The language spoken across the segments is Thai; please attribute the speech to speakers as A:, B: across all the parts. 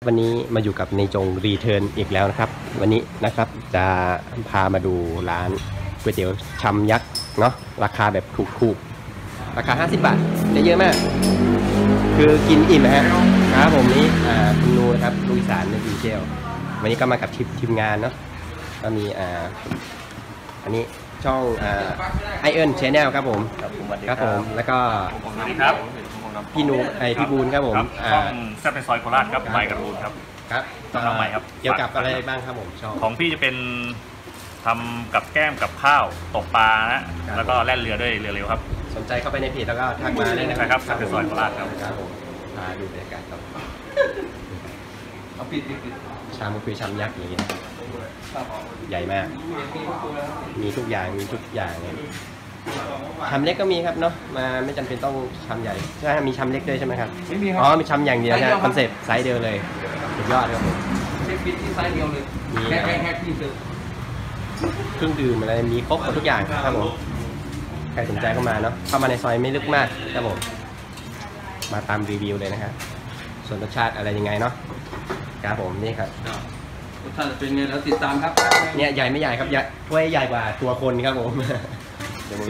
A: วันนี้มาอยู่กับในจงรีเทิร์นอีกแล้วนะครับวันนี้นะครับจะพามาดูร้านก๋วยเตี๋ยวชามยักษ์เนาะราคาแบบถูกๆราคา50 บาทได้เยอะมากคือกินอิ่มนะฮะครับผมนี้คุณนูนะครับลุยสารในดีเจลวันนี้ก็มากับทีมงานเนาะก็มีอันนี้ช่องไอเอิร์นแชนแนลครับผมครับผมแล้วก็พี่นูพี่บูนครับผม
B: ช่องแซ่บในซอยโคราชครับไมค์กับบูนครับ
A: ครับ
B: น้องใหม่ครับ
A: เกี่ยวกับอะไรบ้างครับผมช่อง
B: ของพี่จะเป็นทำกับแก้มกับข้าวตกปลานะแล้วก็แล่นเรือด้วยเรือเร็วครับ
A: สนใจเข้าไปในเพจแล้วก็ทักมาได้
B: นะครับแซ่บในซอยโคราชครับ
A: ผมพาดูบรรยากาศครับ
C: เอาปิด
A: ชามคือชามยักษ์อย่างเงี้ยใหญ่มากมีทุกอย่างเลยชามเล็กก็มีครับเนาะมาไม่จำเป็นต้องชามใหญ่ใช่มีชามเล็กด้วยใช่ไหมครับ
C: ไม่มีครับ
A: อ๋อมีชามอย่างเดียวนะคอนเซ็ปต์ไซส์เดียวเลยสุดยอดครับผม
C: เช็คฟิตที่ไซส์เดียวเลยแค่ที่ซื้อ
A: เครื่องดื่มอะไรมีครบทุกอย่างครับผมใครสนใจเข้ามาเนาะเข้ามาในซอยไม่ลึกมากครับผมมาตามรีวิวเลยนะครับส่วนรสชาติอะไรยังไงเนาะครับผมนี่ครับ
C: รสชาติเป็นไงแล้วติดตามครับ
A: เนี่ยใหญ่ไม่ใหญ่ครับถ้วยใหญ่กว่าตัวคนครับผมเดี๋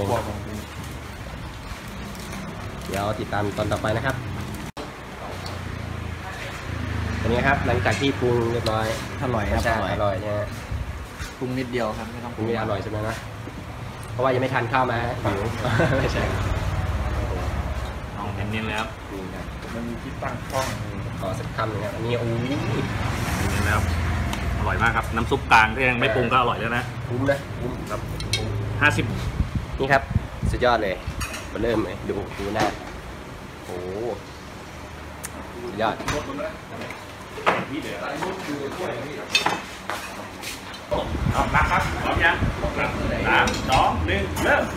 A: ยวติดตามตอนต่อไปนะครับเป็นไงครับหลังจากที่ปรุงเรียบร้อย
C: อร่อยครับ
A: อร่อยเนี่ย
C: ปรุงนิดเดียวครับไม่ต้อง
A: ปรุงไม่อร่อยใช่ไหมนะเพราะว่ายังไม่ทานข้าวมาหิวไม่ใช่
B: เอาเน้นๆเลยครับ
C: มันมีที่ตั้งกล้อง
A: ขอสักคำหนึ่งครับอันนี้โอ้ย
B: เน้นแล้วอร่อยมากครับน้ำซุปกลางที่ยังไม่ปรุงก็อร่อยแล้วนะ
A: คุ้ม
B: ครับ50
A: นี่ครับสุดยอดเลยมาเริ่มเลยดูหน้าโอ้สุดยอด
B: เอาละครับพร้อมยัง3 2 1เริ่ม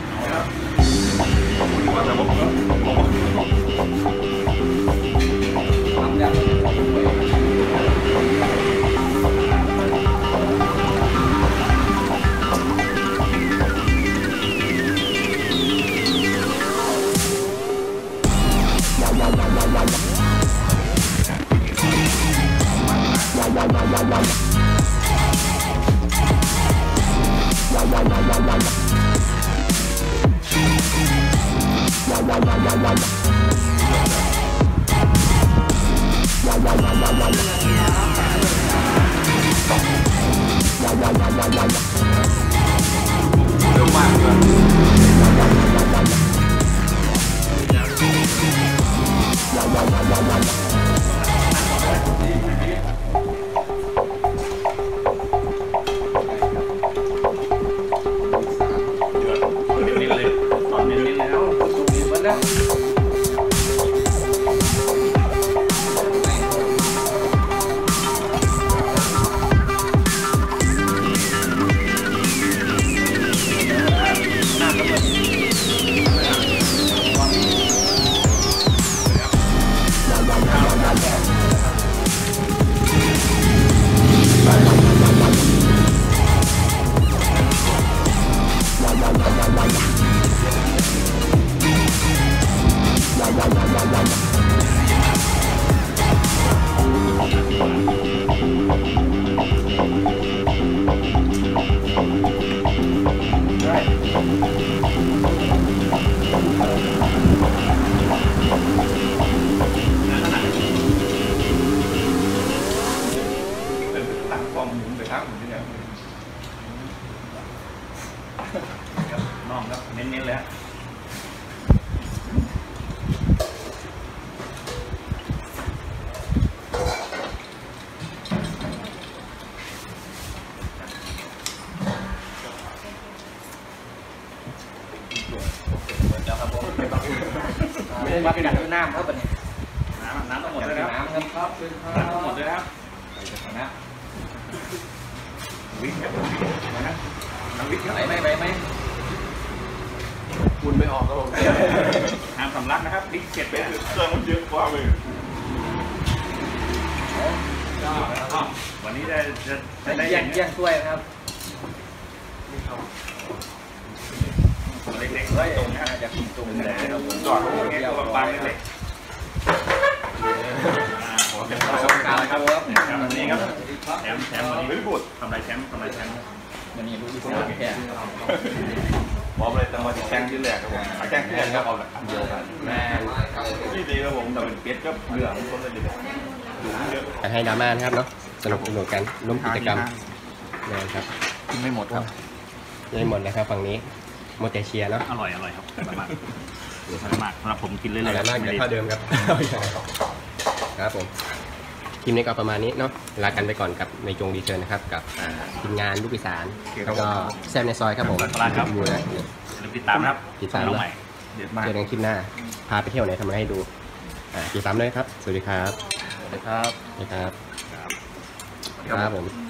B: น้องครับเน้นๆเลย
C: ไม่ได้มาเป็นแบบน้ำครับแบบนี้
B: น้ำต้องหมดเลยครับน้ำต้องหมดเลยครับ
C: นะ
B: วิ่งนะน้ำวิ่ง
C: ไม่คุณไม่ออกครับผม
B: ห้ามสำลักนะครับดิเก็บไปเครื่องมันเยอะกว่าเลยวันนี้ได้
C: แย่งถ้วยนะครับ
B: เล็กๆตรงนี้จะกินตรงนี้จอดตรงนี้ตัวบางเล็ก
C: ครับ
B: ครับวันนี้ครับแชมป์วันนี้ไม่พูดทำไรแชมป์
C: วันนี้รู้ดีผมแค่
D: พร้อมเลยแต่มาแจ้งที่แรกครับผมแจ้งที่แรกครับเอาละเดียวกัน
A: แม่
D: นี่ดีครับผมแต่เป็นเป็ดก็เหลืองคนละเดียวอยู่เยอะ
A: ให้ดราม่านะครับเนาะสนุกกันร่วมกิจกรรมนะครับ
D: กินไม่หมดครับ
A: ยังหมดเลยครับฝั่งนี้โมเตเชียเนาะ
B: อร่อยครับอร่อยมากสำหรับผมกินเรื่อย
A: อร่อยมากเดี๋ยวเท่าเดิมครับ ครับผมทีมนี้ก็ประมาณนี้เนาะลากันไปก่อนกับในจงรีเทิร์นนะครับกับทีมงานลูกอีสานแล้วก็แซมในซอยครับผมดูเลย
B: ลืมติดตามนะครับ
A: ติดตาม
B: น้อง
A: แล้
B: ใหม่
D: เด็ดมาก
A: เจอกันคลิปหน้าพาไปเที่ยวไหนทำอะไรให้ดูติดตามเลยครับสวัสดีครับ
D: สวัสดีครับ
A: สวัสดีครับครับผม